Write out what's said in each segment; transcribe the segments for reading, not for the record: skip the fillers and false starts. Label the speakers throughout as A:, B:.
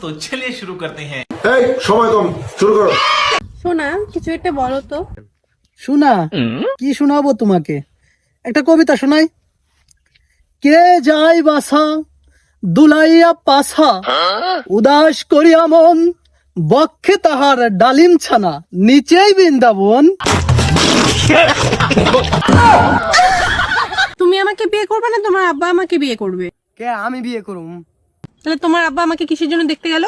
A: तो चलिए शुरू करते हैं।
B: এই সময় কম, শুরু করো।
C: শোনা কিছু একটা বলো তো।
D: শোনা কি শোনাবো তোমাকে? একটা কবিতা শোনাই। কে যায় বাসা দুলাইয়া পাসা, উদাস করিয়া মন, বক্ষে তাহার ডালিম ছানা, নিচেই বৃন্দাবন।
C: তুমি আমাকে বিয়ে করবে না তোমার আব্বা আমাকে বিয়ে করবে?
D: কে আমি বিয়ে করুম?
C: তাহলে তোমার আব্বা আমাকে কিসের জন্য দেখতে গেল?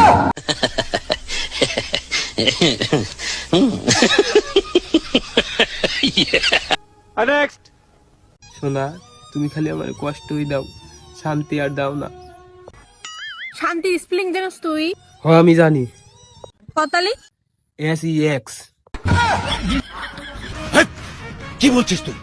E: শোনা তুমি খালি আমার কষ্টই দাও, শান্তি আর দাও না।
C: শান্তি স্পেলিং জানোস তুই?
E: হ্যাঁ আমি জানি,
C: কতালি
E: SEX।
B: কি বলছিস তুই?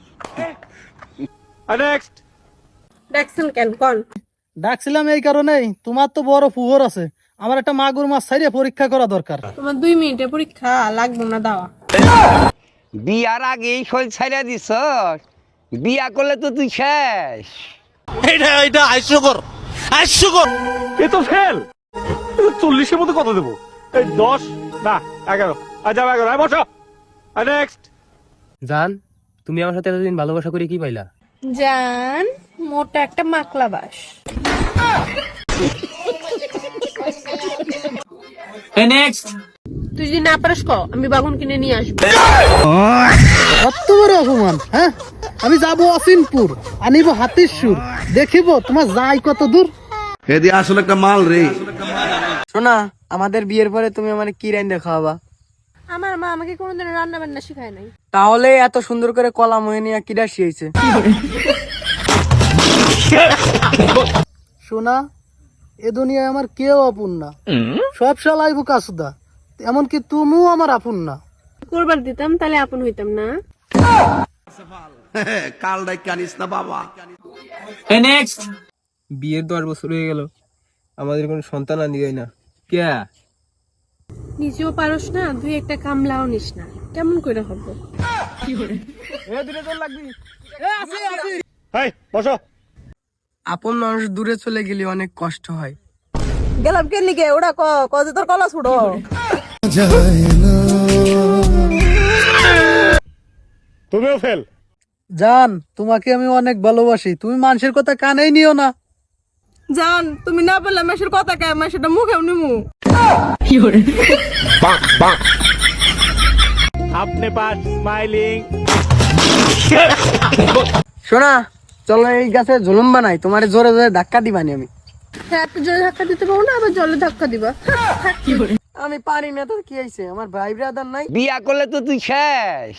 C: দেখছেন কেন কোন?
D: ডাকছিলাম এই কারণেই, তোমার তো বড় পুকুর আছে, আমার একটা মাগুর মাছ ছাইরে পরীক্ষা করা দরকার।
C: তোমার 2 মিনিটের পরীক্ষা লাগবে না দাওয়া।
F: বিয়ার আগেই শরীর ছাইরা দিছ, বিয়া করলে তো তুই শেষ।
A: এটা হাস্যকর, হাস্যকর।
G: এ তো ফেল। 40-এর মধ্যে কত দেবো? এই 10 না 11। আচ্ছা 11, বসো। নেক্সট।
E: জান তুমি আমার সাথে এতদিন ভালোবাসা করে কি পাইলা?
C: জান মোটা একটা মাকলা বাস।
A: নেক্সট।
C: তুই যদি না পারিস ক আমি বাগুন কিনে নিয়ে আসবো।
D: কত বড় অপমান! হ্যাঁ, আমি যাবো অসিনপুর, আনিব হাতির সুর, দেখিব তোমার যাই কত দূর।
B: হেদি আসলে একটা মাল রে।
D: শোনা আমাদের বিয়ের পরে তুমি আমার কি রান্না খাওয়াবা?
C: আমার মা আমাকে কোনোদিন রান্না বান্না শেখায় নাই।
D: তাহলে এত সুন্দর করে কলা মহিনিয়া কিডা শিয়েছে? শোনা এ দুনিয়ায় আমার কেউ আপন না, সব শালাই বুকা সুদা, এমনকি তুমিও আমার আপন না।
C: কোরবান দিতাম তাহলে আপন হইতাম না।
B: কাল ডাই কানিস না বাবা।
A: নেক্সট।
E: বিয়ের 10 বছর হয়ে গেল, আমাদের কোনো সন্তান আনি যায় না কে?
C: নিজেও পারস না, 2 একটা কামলাও নিস না, কেমন করে হবো?
G: এই বসো।
D: আপন মানুষ দূরে চলে গেলে অনেক কষ্ট হয়।
C: গেলাম কেন লিখে ওটা কজে তোর কলা ছুড়ো।
G: তুমিও ফেল।
D: জান তোমাকে আমি অনেক ভালোবাসি, তুমি মানুষের কথা কানেই নিও না।
C: জান তুমি না বললে মেশের কথা কে আমি সেটা মুখেও নিমু।
G: আপনি পাস স্মাইলিং।
D: শোনা চলো এই গাছে জুলুম বানাই, তোমার জোরে জোরে ধাক্কা দিবানি আমি।
C: হ্যাঁ একটু জলে ধাক্কা দিতে পারো না, আবার জলে ধাক্কা দিবা।
D: আমি পারি না তো কি হয়েছে, আমার ভাই ব্রাদার নাই?
F: বিয়া করলে তো তুই শেষ।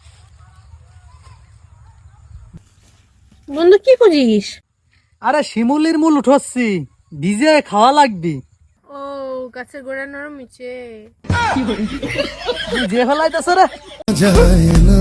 C: বন্ধু কি করিস?
D: আরে শিমুলির মূল উঠছি, ভিজে খাওয়া লাগবি।
C: ও গাছের গোড়া নরম মিছে।
D: যে ফেলাইতেছ রে।